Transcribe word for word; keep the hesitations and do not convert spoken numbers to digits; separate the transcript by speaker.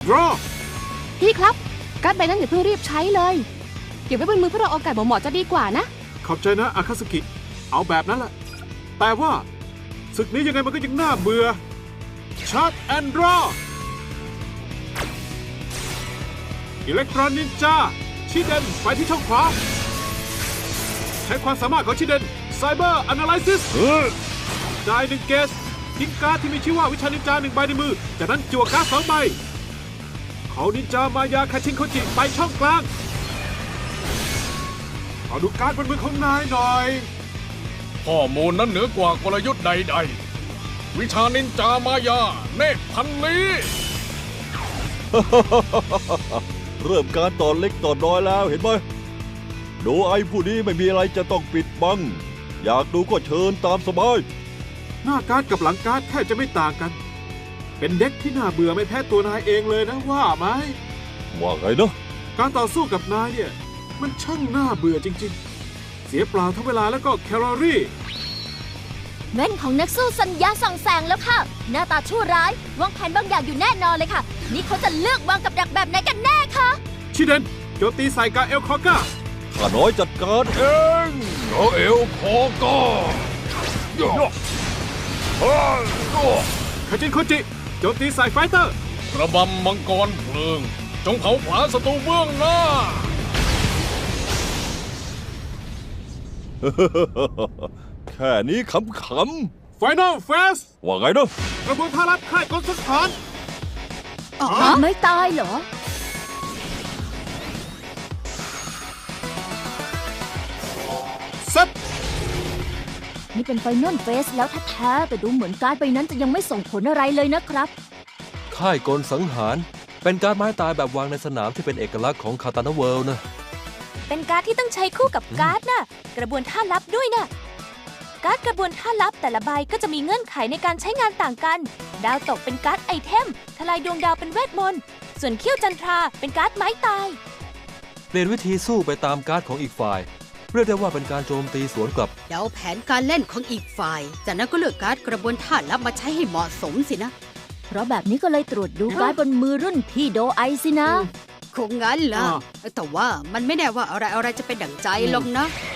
Speaker 1: รอ
Speaker 2: พี่ครับการ์ดใบนั้นอย่าเพิ่งรีบใช้เลยเก็บไว้บนมือเพื่อเราโอกาสเหมาะๆจะดีกว่านะ
Speaker 1: ขอบใจนะอาคาสกิเอาแบบนั้นแหละแต่ว่าศึกนี้ยังไงมันก็ยังน่าเบื่อชาร์จแอนด์รออิเล็กตรอนินจาชิเดนไปที่ช่องขวาใช้ความสามารถของชิเดนไซเบอร์แอนาลิซิสได้หนึ่งเกสทิ้งการ์ดที่มีชื่อว่าวิชานินจาหนึ่งใบในมือจากนั้นจั่วการ์ดสองใบเขานินจามายาคาชินโคจิไปช่องกลางขอดูการ์ดบนมือของนายหน่อย
Speaker 3: ข้อมูลนั้นเหนือกว่ากลยุทธ์ใดๆวิชานินจามายาเนตรพันลี
Speaker 4: เริ่มการต่อเล็กต่อน้อยแล้วเห็นไหมโดไอผู้นี้ไม่มีอะไรจะต้องปิดบังอยากดูก็เชิญตามสบาย
Speaker 1: หน้าการ์ดกับหลังการ์ดแทบจะไม่ต่างกันเป็นเด็กที่น่าเบื่อไม่แพ้ตัวนายเองเลยนะว่าไหม
Speaker 4: ว่าไงนะ
Speaker 1: การต่อสู้กับนายเนี่ยมันช่างน่าเบื่อจริงๆเสียเปล่าทั้งเวลาแล้วก็แคลอรี่
Speaker 5: แว่นของนักสู้สัญญาส่องแสงแล้วค่ะหน้าตาชั่วร้ายวางแผนบางอย่างอยู่แน่นอนเลยค่ะนี่เขาจะเลือกวางกับดักแบบไหนกันแน่คะ
Speaker 1: ชิเดนโจมตีใส่กาเอลคอก้า
Speaker 4: ข้าน้อยจัดการเอง
Speaker 3: กาเอลคอก้า
Speaker 1: คาจินโคจิโจมตีใส่ไฟเตอร์
Speaker 3: ระบำมังกรเพลิงจงเผาผลาญศัตรูเบื้องหน้า
Speaker 4: แค่นี้ขำ
Speaker 1: ๆไฟนอลเฟส
Speaker 4: ว่าไงนะ
Speaker 1: กระบวนท่ารัดค่ายกลสถาน
Speaker 5: อ๋อไม่ตายเหรอ
Speaker 1: เซ็ต
Speaker 5: นี่เป็นไฟนอลเฟสแล้วแท้ๆแต่ดูเหมือนการ์ดใบนั้นจะยังไม่ส่งผลอะไรเลยนะครับ
Speaker 6: ค่ายกลสังหารเป็นการ์ดไม้ตายแบบวางในสนามที่เป็นเอกลักษณ์ของคาตานาเวิลด์นะ
Speaker 5: เป็นการ์ดที่ต้องใช้คู่กับการ์ดน่ะกระบวนท่าลับด้วยนะการ์ดกระบวนท่าลับแต่ละใบก็จะมีเงื่อนไขในการใช้งานต่างกันดาวตกเป็นการ์ดไอเทมทลายดวงดาวเป็นเวทมนต์ส่วนเขี้ยวจันทราเป็นการ์ดไม้ตาย
Speaker 6: เปลี่ยนวิธีสู้ไปตามการ์ดของอีกฝ่ายเรียกได้ว่าเป็นการโจมตีสวนกลับ
Speaker 7: เดาแผนการเล่นของอีกฝ่ายจากนั้นก็เลือกการ์ดกระบวนท่าลับมาใช้ให้เหมาะสมสินะ
Speaker 5: เพราะแบบนี้ก็เลยตรวจดูการ์ดบนมือรุ่นพี่โดไอสินะ
Speaker 7: คงงั้นล่ะแต่ว่ามันไม่แน่ว่าอะไรอะไรจะเป็นดั่งใจหรอกนะ